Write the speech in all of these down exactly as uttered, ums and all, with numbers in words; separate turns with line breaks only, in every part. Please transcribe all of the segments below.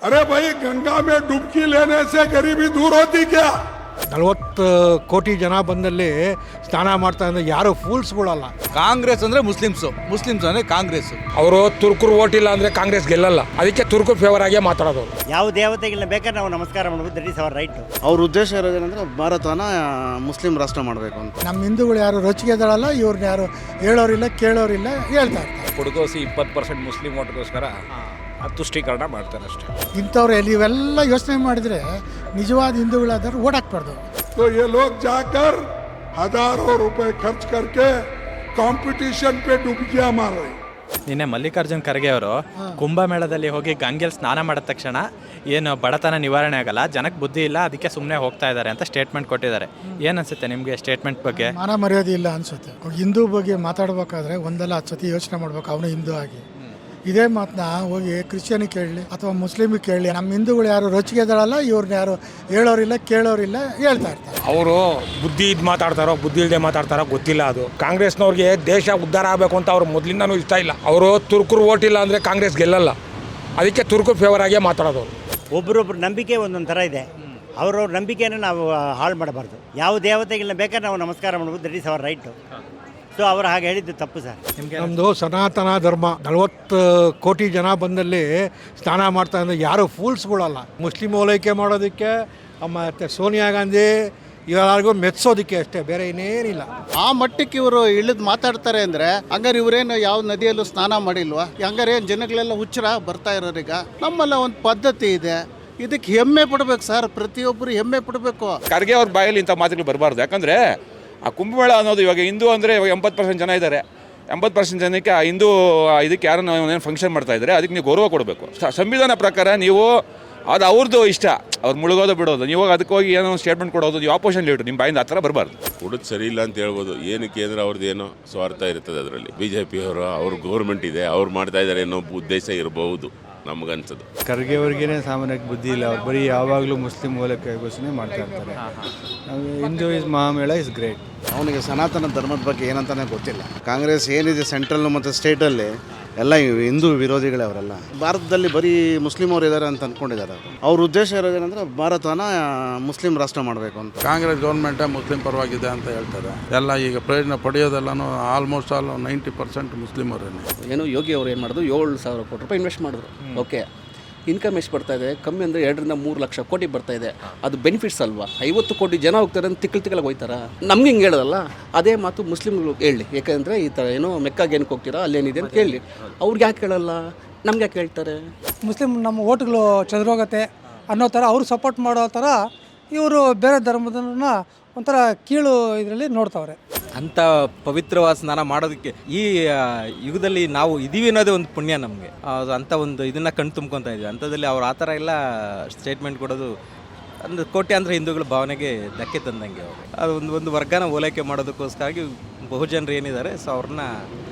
अरे भाई गंगा में डुबकी लेने से गरीबी दूर होती क्या?
ನಲವತ್ತು ಕೋಟಿ ಜನ ಬಂದಲ್ಲಿ ಸ್ನಾನ ಮಾಡ್ತಾ ಅಂದ್ರೆ ಯಾರು ಫೂಲ್ಸ್ಗಳಲ್ಲ.
ಕಾಂಗ್ರೆಸ್ ಅಂದ್ರೆ ಮುಸ್ಲಿಮ್ಸು, ಮುಸ್ಲಿಮ್ಸ್ ಅಂದ್ರೆ ಕಾಂಗ್ರೆಸ್.
ಅವರು ತುರ್ಕರು ಓಟ್ ಇಲ್ಲ ಅಂದ್ರೆ ಕಾಂಗ್ರೆಸ್ ಗೆಲ್ಲಲ್ಲ, ಅದಕ್ಕೆ ತುರ್ಕರು ಫೇವರ್ ಆಗೇ ಮಾತಾಡೋದು.
ಯಾವ ದೇವತೆಗಳನ್ನ ಬೇಕಾದ್ರೆ ನಾವು ನಮಸ್ಕಾರ ಮಾಡಬಹುದು, ದಟ್ ಇಸ್ ಅವರ್ ರೈಟ್.
ಅವ್ರ ಉದ್ದೇಶ ಇರೋದೇನೆಂದ್ರೆ ಭಾರತನ ಮುಸ್ಲಿಂ ರಾಷ್ಟ್ರ ಮಾಡಬೇಕು ಅಂತ.
ನಮ್ಮ ಹಿಂದೂಗಳು ಯಾರು ರೊಚ್ಚಿಗೆದಳಲ್ಲ, ಇವ್ರನ್ನ ಯಾರು ಹೇಳೋರಿಲ್ಲ ಕೇಳೋರಿಲ್ಲ, ಹೇಳ್ತಾ ಇರ್ತಾರೆ.
ಕೊಡಗೋಸಿ ಇಪ್ಪತ್ತು ಪರ್ಸೆಂಟ್ ಮುಸ್ಲಿಂ ಓಟ್ಗೋಸ್ಕರ ತುಷ್ಟೀಕರಣ ಮಾಡ್ತಾರೆ ಅಷ್ಟೇ.
ಇಂಥವ್ರು ಇವೆಲ್ಲ ಯೋಚನೆ ಮಾಡಿದರೆ ನಿಜವಾದ ಹಿಂದೂಗಳಾದ್ರೆ ಓಟ್ ಹಾಕ್ಬಾರ್ದು.
तो ये लोग जाकर हजारों रुपए खर्च करके कंपटीशन पे डुबकियां मार रहे हैं.
ನಿನ್ನೆ ಮಲ್ಲಿಕಾರ್ಜುನ್ ಖರ್ಗೆ ಅವರು ಕುಂಭಮೇಳದಲ್ಲಿ ಹೋಗಿ ಗಂಗೆಯಲ್ಲಿ ಸ್ನಾನ ಮಾಡಿದ ತಕ್ಷಣ ಏನು ಬಡತನ ನಿವಾರಣೆ ಆಗಲ್ಲ, ಜನಕ್ಕೆ ಬುದ್ಧಿ ಇಲ್ಲ, ಅದಕ್ಕೆ ಸುಮ್ಮನೆ ಹೋಗ್ತಾ ಇದ್ದಾರೆ ಅಂತ ಸ್ಟೇಟ್ಮೆಂಟ್ ಕೊಟ್ಟಿದ್ದಾರೆ. ಏನು ಅನ್ಸುತ್ತೆ ನಿಮಗೆ ಸ್ಟೇಟ್ಮೆಂಟ್ ಬಗ್ಗೆ?
ಮಾನ ಮರ್ಯಾದೆ ಇಲ್ಲ ಅನ್ಸುತ್ತೆ. ಹಿಂದೂ ಬಗ್ಗೆ ಮಾತಾಡ್ಬೇಕಾದ್ರೆ ಒಂದಲ್ಲ ಹತ್ತು ಸತಿ ಯೋಚನೆ ಮಾಡ್ಬೇಕು, ಅವನು ಹಿಂದೂ ಆಗಿ. ಇದೇ ಮಾತನ್ನ ಹೋಗಿ ಕ್ರಿಶ್ಚಿಯನಿಗೆ ಕೇಳಲಿ ಅಥವಾ ಮುಸ್ಲಿಮಿಗೆ ಕೇಳಲಿ, ನಮ್ಮ ಹಿಂದೂಗಳು ಯಾರು ರೊಚ್ಚಿಗೆದಳಲ್ಲ, ಇವ್ರನ್ನ ಯಾರು ಹೇಳೋರಿಲ್ಲ ಕೇಳೋರಿಲ್ಲ, ಹೇಳ್ತಾ ಇರ್ತಾರೆ.
ಅವರು ಬುದ್ಧಿ ಇದು ಮಾತಾಡ್ತಾರೋ ಬುದ್ಧಿ ಇಲ್ಲದೆ ಮಾತಾಡ್ತಾರೋ ಗೊತ್ತಿಲ್ಲ. ಅದು ಕಾಂಗ್ರೆಸ್ನವ್ರಿಗೆ ದೇಶ ಉದ್ಧಾರ ಆಗಬೇಕು ಅಂತ ಅವ್ರು ಮೊದಲಿಂದನೂ ಇಷ್ಟ ಇಲ್ಲ. ಅವರು ತುರ್ಕರು ಓಟ್ ಇಲ್ಲ ಅಂದರೆ ಕಾಂಗ್ರೆಸ್ ಗೆಲ್ಲಲ್ಲ, ಅದಕ್ಕೆ ತುರ್ಕರು ಫೇವರ್ ಆಗೇ ಮಾತಾಡೋದು.
ಒಬ್ರೊಬ್ರು ನಂಬಿಕೆ ಒಂದೊಂದು ಥರ ಇದೆ, ಅವ್ರವ್ರ ನಂಬಿಕೆಯನ್ನು ನಾವು ಹಾಳು ಮಾಡಬಾರ್ದು. ಯಾವ ದೇವತೆಗಳನ್ನ ಬೇಕಾದ್ರೆ ನಾವು ನಮಸ್ಕಾರ ಮಾಡಬಹುದು, that is our right. So ಅವರು ಹಾಗೆ ಹೇಳಿದ್ದು ತಪ್ಪು ಸರ್.
ನಮ್ಮದು ಸನಾತನ ಧರ್ಮ. ನಲವತ್ತು ಕೋಟಿ ಜನ ಬಂದಲ್ಲಿ ಸ್ನಾನ ಮಾಡ್ತಾ ಅಂದ್ರೆ ಯಾರು ಫೂಲ್ಸ್ಗಳಲ್ಲ. ಮುಸ್ಲಿಂ ಓಲೈಕೆ ಮಾಡೋದಕ್ಕೆ ಮತ್ತು ಸೋನಿಯಾ ಗಾಂಧಿ ಇವರಿಗೂ ಮೆಚ್ಚೋದಕ್ಕೆ ಅಷ್ಟೇ, ಬೇರೆ ಇನ್ನೇನಿಲ್ಲ.
ಆ ಮಟ್ಟಕ್ಕೆ ಇವರು ಇಳಿದು ಮಾತಾಡ್ತಾರೆ ಅಂದರೆ ಹಂಗಾರೆ ಇವರೇನು ಯಾವ ನದಿಯಲ್ಲೂ ಸ್ನಾನ ಮಾಡಿಲ್ವಾ? ಹಂಗಾರೆ ಏನು ಜನಗಳೆಲ್ಲ ಹುಚ್ಚರ ಬರ್ತಾ ಇರೋರೀಗ? ನಮ್ಮಲ್ಲ ಒಂದು ಪದ್ಧತಿ ಇದೆ, ಇದಕ್ಕೆ ಹೆಮ್ಮೆ ಪಡಬೇಕು ಸರ್. ಪ್ರತಿಯೊಬ್ಬರು ಹೆಮ್ಮೆ ಪಡಬೇಕು.
ಖರ್ಗೆ ಅವ್ರ ಬಾಯಲ್ಲಿ ಇಂಥ ಮಾತುಗಳು ಬರಬಾರ್ದು. ಯಾಕಂದರೆ ಆ ಕುಂಭಮೇಳ ಅನ್ನೋದು ಇವಾಗ ಹಿಂದೂ ಅಂದರೆ ಇವಾಗ ಎಂಬತ್ತು ಪರ್ಸೆಂಟ್ ಜನ ಇದ್ದಾರೆ. ಎಂಬತ್ತು ಪರ್ಸೆಂಟ್ ಜನಕ್ಕೆ ಆ ಹಿಂದೂ ಇದಕ್ಕೆ ಯಾರನ್ನ ಏನು ಫಂಕ್ಷನ್ ಮಾಡ್ತಾ ಇದ್ದಾರೆ, ಅದಕ್ಕೆ ನೀವು ಗೌರವ ಕೊಡಬೇಕು. ಸಂವಿಧಾನ ಪ್ರಕಾರ ನೀವು ಅದು ಅವ್ರದ್ದು ಇಷ್ಟ, ಅವ್ರು ಮುಳುಗೋದು ಬಿಡೋದು, ನೀವು ಅದಕ್ಕೆ ಹೋಗಿ ಏನೋ ಸ್ಟೇಟ್ಮೆಂಟ್ ಕೊಡೋದು, ನೀವು ಆಪೋಸಿಷನ್ ಲೀಡರ್, ನಿಮ್ಮ ಬಾಯಿಂದ ಆ ಥರ ಬರಬಾರ್ದು.
ಕೊಡೋದು ಸರಿ ಇಲ್ಲ ಅಂತ ಹೇಳ್ಬೋದು. ಏನಕ್ಕೆ ಅಂದರೆ ಅವ್ರದ್ದು ಏನೋ ಸ್ವಾರ್ಥ ಇರ್ತದೆ ಅದರಲ್ಲಿ. ಬಿ ಜೆ ಪಿಯವರು ಅವ್ರ ಗೌರ್ಮೆಂಟ್ ಇದೆ, ಅವ್ರು ಮಾಡ್ತಾ ಇದ್ದಾರೆ ಅನ್ನೋ ಉದ್ದೇಶ ಇರಬಹುದು ನಮಗನ್ಸೋದು.
ಖರ್ಗೆ ಅವ್ರಿಗೇನೆ ಸಾಮಾನ್ಯಕ್ಕೆ ಬುದ್ಧಿ ಇಲ್ಲ. ಅವ್ರು ಬರೀ ಯಾವಾಗಲೂ ಮುಸ್ಲಿಂ ಓಲೈಕೆ ಘೋಷಣೆ ಮಾಡ್ತಾ ಇರ್ತಾರೆ. Hindu is Mahamela is great.
ಅವನಿಗೆ ಸನಾತನ ಧರ್ಮದ ಬಗ್ಗೆ ಏನಂತಾನೆ ಗೊತ್ತಿಲ್ಲ. ಕಾಂಗ್ರೆಸ್ ಏನಿದೆ ಸೆಂಟ್ರಲ್ ಮತ್ತು ಸ್ಟೇಟಲ್ಲಿ ಎಲ್ಲ ಹಿಂದೂ ವಿರೋಧಿಗಳೇ ಅವರೆಲ್ಲ. ಭಾರತದಲ್ಲಿ ಬರೀ ಮುಸ್ಲಿಂ ಅವರು ಇದ್ದಾರೆ ಅಂತ ಅಂದ್ಕೊಂಡಿದ್ದಾರೆ. ಅವ್ರ ಉದ್ದೇಶ ಇರೋದೇನೆಂದರೆ ಭಾರತನ ಮುಸ್ಲಿಂ ರಾಷ್ಟ್ರ ಮಾಡಬೇಕು ಅಂತ.
ಕಾಂಗ್ರೆಸ್ ಗೌರ್ಮೆಂಟೇ ಮುಸ್ಲಿಂ ಪರವಾಗಿದೆ ಅಂತ ಹೇಳ್ತಾರೆ. ಎಲ್ಲ ಈಗ ಪ್ರಯೋಜನ ಪಡೆಯೋದೆಲ್ಲನೂ almost all ninety percent Muslim ಅವರೇನೆ.
ಏನು ಯೋಗಿ ಅವರು ಏನು ಮಾಡಿದ್ರು, ಏಳು ಸಾವಿರ ಕೋಟಿ ರೂಪಾಯಿ ಇನ್ವೆಸ್ಟ್ ಮಾಡಿದ್ರು. ಓಕೆ, ಇನ್ಕಮ್ ಎಷ್ಟು ಬರ್ತಾ ಇದೆ? ಕಮ್ಮಿ ಅಂದರೆ ಎರಡರಿಂದ ಮೂರು ಲಕ್ಷ ಕೋಟಿ ಬರ್ತಾ ಇದೆ. ಅದು ಬೆನಿಫಿಟ್ಸ್ ಅಲ್ವಾ? ಐವತ್ತು ಕೋಟಿ ಜನ ಹೋಗ್ತಾರೆ ಅಂತ ತಿಕ್ಕಲ್ ತಿಕ್ಕಲಾಗಿ ಹೋಗ್ತಾರ. ನಮ್ಗೆ ಹಿಂಗೆ ಹೇಳೋದಲ್ಲ, ಅದೇ ಮಾತು ಮುಸ್ಲಿಮ್ಗಳು ಹೇಳಿ. ಯಾಕೆಂದರೆ ಈ ಥರ ಏನೋ ಮೆಕ್ಕಾಗೆ ಏನಕ್ಕೆ ಹೋಗ್ತೀರಾ, ಅಲ್ಲೇನಿದೆ ಅಂತ ಕೇಳಿ. ಅವ್ರಿಗೆ ಯಾಕೆ ಹೇಳಲ್ಲ, ನಮ್ಗೆ ಯಾಕೆ ಹೇಳ್ತಾರೆ?
ಮುಸ್ಲಿಮ್ ನಮ್ಮ ಓಟ್ಗಳು ಚದುರೋಗತ್ತೆ ಅನ್ನೋ ಥರ ಅವರು ಸಪೋರ್ಟ್ ಮಾಡೋ ಥರ ಇವರು ಬೇರೆ ಧರ್ಮದನ್ನ ಒಂಥರ ಕೀಳು ಇದರಲ್ಲಿ ನೋಡ್ತಾವ್ರೆ.
ಅಂಥ ಪವಿತ್ರವಾದ ಸ್ನಾನ ಮಾಡೋದಕ್ಕೆ ಈ ಯುಗದಲ್ಲಿ ನಾವು ಇದೀವಿ ಅನ್ನೋದೇ ಒಂದು ಪುಣ್ಯ ನಮಗೆ. ಅಂಥ ಒಂದು ಇದನ್ನು ಕಣ್ ತುಂಬ್ಕೊತಾ ಇದ್ವಿ. ಅಂಥದ್ದಲ್ಲಿ ಅವ್ರು ಆ ಥರ ಎಲ್ಲ ಸ್ಟೇಟ್ಮೆಂಟ್ ಕೊಡೋದು ಅಂದರೆ ಕೋಟ್ಯಾಂತರ ಹಿಂದೂಗಳ ಭಾವನೆಗೆ ಧಕ್ಕೆ ತಂದಂಗೆ. ಅವರು ಅದು ಒಂದು ಒಂದು ವರ್ಗನ ಓಲೈಕೆ ಮಾಡೋದಕ್ಕೋಸ್ಕರಾಗಿ ಬಹುಜನರು ಏನಿದ್ದಾರೆ, ಸೊ ಅವ್ರನ್ನ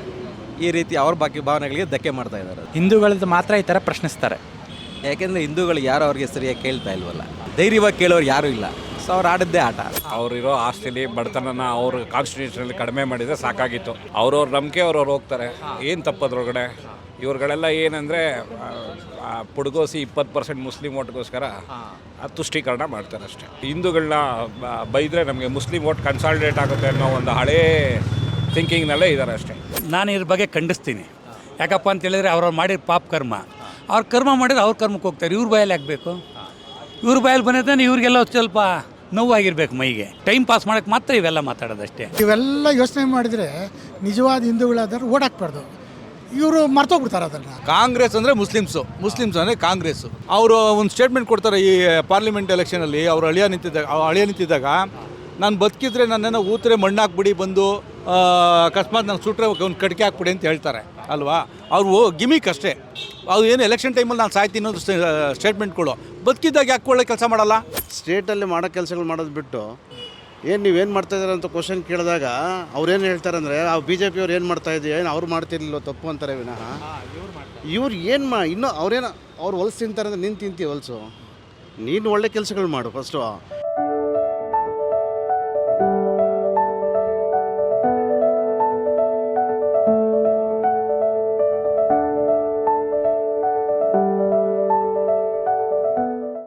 ಈ ರೀತಿ ಅವ್ರ ಬಾಕಿ ಭಾವನೆಗಳಿಗೆ ಧಕ್ಕೆ ಮಾಡ್ತಾ ಇದ್ದಾರೆ. ಹಿಂದೂಗಳದ್ದು ಮಾತ್ರ ಈ ಥರ ಪ್ರಶ್ನಿಸ್ತಾರೆ. ಯಾಕೆಂದರೆ ಹಿಂದೂಗಳು ಯಾರು ಅವ್ರಿಗೆ ಸರಿಯಾಗಿ ಕೇಳ್ತಾ ಇಲ್ವಲ್ಲ, ಧೈರ್ಯವಾಗಿ ಕೇಳೋರು ಯಾರೂ ಇಲ್ಲ. ಸೊ ಅವ್ರು ಆಡದ್ದೇ ಆಟ.
ಅವರಿರೋ ಆಸ್ತಿಲಿ ಬಡತನನ ಅವರು ಕಾನ್ಸ್ಟಿಟ್ಯೂಷನಲ್ಲಿ ಕಡಿಮೆ ಮಾಡಿದರೆ ಸಾಕಾಗಿತ್ತು. ಅವ್ರವ್ರ ನಂಬಿಕೆ ಅವ್ರವ್ರು ಹೋಗ್ತಾರೆ, ಏನು ತಪ್ಪದ್ರೊಳಗಡೆ. ಇವ್ರುಗಳೆಲ್ಲ ಏನಂದರೆ ಪುಡ್ಗೋಸಿ ಇಪ್ಪತ್ತು ಪರ್ಸೆಂಟ್ ಮುಸ್ಲಿಂ ಓಟ್ಗೋಸ್ಕರ ತುಷ್ಟೀಕರಣ ಮಾಡ್ತಾರೆ ಅಷ್ಟೇ. ಹಿಂದೂಗಳನ್ನ ಬೈದರೆ ನಮಗೆ ಮುಸ್ಲಿಂ ಓಟ್ ಕನ್ಸಾಲಿಡೇಟ್ ಆಗುತ್ತೆ ಅನ್ನೋ ಒಂದು ಹಳೇ ಥಿಂಕಿಂಗ್ನಲ್ಲೇ ಇದ್ದಾರೆ ಅಷ್ಟೇ.
ನಾನು ಇದ್ರ ಬಗ್ಗೆ ಖಂಡಿಸ್ತೀನಿ. ಯಾಕಪ್ಪ ಅಂತ ಹೇಳಿದ್ರೆ ಅವ್ರವ್ರು ಮಾಡಿದ ಪಾಪ ಕರ್ಮ, ಅವ್ರ ಕರ್ಮ ಮಾಡಿದ್ರೆ ಅವ್ರ ಕರ್ಮಕ್ಕೆ ಹೋಗ್ತಾರೆ. ಇವ್ರ ಬಾಯಲ್ಲಿ ಆಗಬೇಕು, ಇವ್ರ ಬಾಯಲ್ಲಿ ಬಂದಿದ್ದಾನೆ ಇವ್ರಿಗೆಲ್ಲ ಸ್ವಲ್ಪ ನೋವಾಗಿರ್ಬೇಕು ಮೈಗೆ. ಟೈಮ್ ಪಾಸ್ ಮಾಡೋಕ್ಕೆ ಮಾತ್ರ ಇವೆಲ್ಲ ಮಾತಾಡೋದಷ್ಟೇ.
ಇವೆಲ್ಲ ಯೋಚನೆ ಮಾಡಿದರೆ ನಿಜವಾದ ಹಿಂದೂಗಳಾದ್ರೆ ಓಟ್ ಹಾಕ್ಬಾರ್ದು. ಇವರು ಮರ್ತೋಗ್ಬಿಡ್ತಾರೆ ಅದನ್ನು.
ಕಾಂಗ್ರೆಸ್ ಅಂದರೆ ಮುಸ್ಲಿಮ್ಸು, ಮುಸ್ಲಿಮ್ಸ್ ಅಂದರೆ ಕಾಂಗ್ರೆಸ್ಸು. ಅವರು ಒಂದು ಸ್ಟೇಟ್ಮೆಂಟ್ ಕೊಡ್ತಾರೆ ಈ ಪಾರ್ಲಿಮೆಂಟ್ ಎಲೆಕ್ಷನಲ್ಲಿ. ಅವರು ಅಳಿಯ ನಿಂತಿದ್ದಾಗ ಅಳಿಯ ನಿಂತಿದ್ದಾಗ ನಾನು ಬದುಕಿದ್ರೆ ನನ್ನನ್ನು ಊತ್ರೆ ಮಣ್ಣಾಕ್ಬಿಡಿ, ಬಂದು ಅಕಸ್ಮಾತ್ ನಾನು ಸುಟ್ರೆ ಒಂದು ಕಡಿಕೆ ಹಾಕ್ಬಿಡಿ ಅಂತ ಹೇಳ್ತಾರೆ ಅಲ್ವಾ. ಅವರು ಗಿಮಿಕ್ ಅಷ್ಟೇ. ಅದು ಏನು ಎಲೆಕ್ಷನ್ ಟೈಮಲ್ಲಿ ನಾನು ಸಾಯ್ತೀನಿ ಅನ್ನೋದು ಸ್ಟೇಟ್ಮೆಂಟ್ಗಳು. ಬದುಕಿದ್ದಾಗ ಯಾಕೆ ಒಳ್ಳೆ ಕೆಲಸ ಮಾಡಲ್ಲ?
ಸ್ಟೇಟಲ್ಲಿ ಮಾಡೋ ಕೆಲಸಗಳು ಮಾಡೋದು ಬಿಟ್ಟು ಏನು ನೀವೇನು ಮಾಡ್ತಾಯಿದ್ದಾರೆ ಅಂತ ಕ್ವಶನ್ ಕೇಳಿದಾಗ ಅವ್ರೇನು ಹೇಳ್ತಾರೆ ಅಂದರೆ ಆ ಬಿ ಜೆ ಪಿಯವ್ರು ಏನು ಮಾಡ್ತಾಯಿದ್ದೀವಿ, ಏನು ಅವ್ರು ಮಾಡ್ತಿರ್ಲಿಲ್ಲ ತಪ್ಪು ಅಂತಾರೆ ವಿನಃ ಇವ್ರು ಏನು ಮಾ ಇನ್ನೂ ಅವ್ರೇನು ಅವ್ರು ಹೊಲ್ಸು ತಿಂತಾರೆ ಅಂದರೆ ನೀನು ತಿಂತೀವಿ ಹೊಲ್ಸು. ನೀನು ಒಳ್ಳೆ ಕೆಲಸಗಳು ಮಾಡು ಫಸ್ಟು.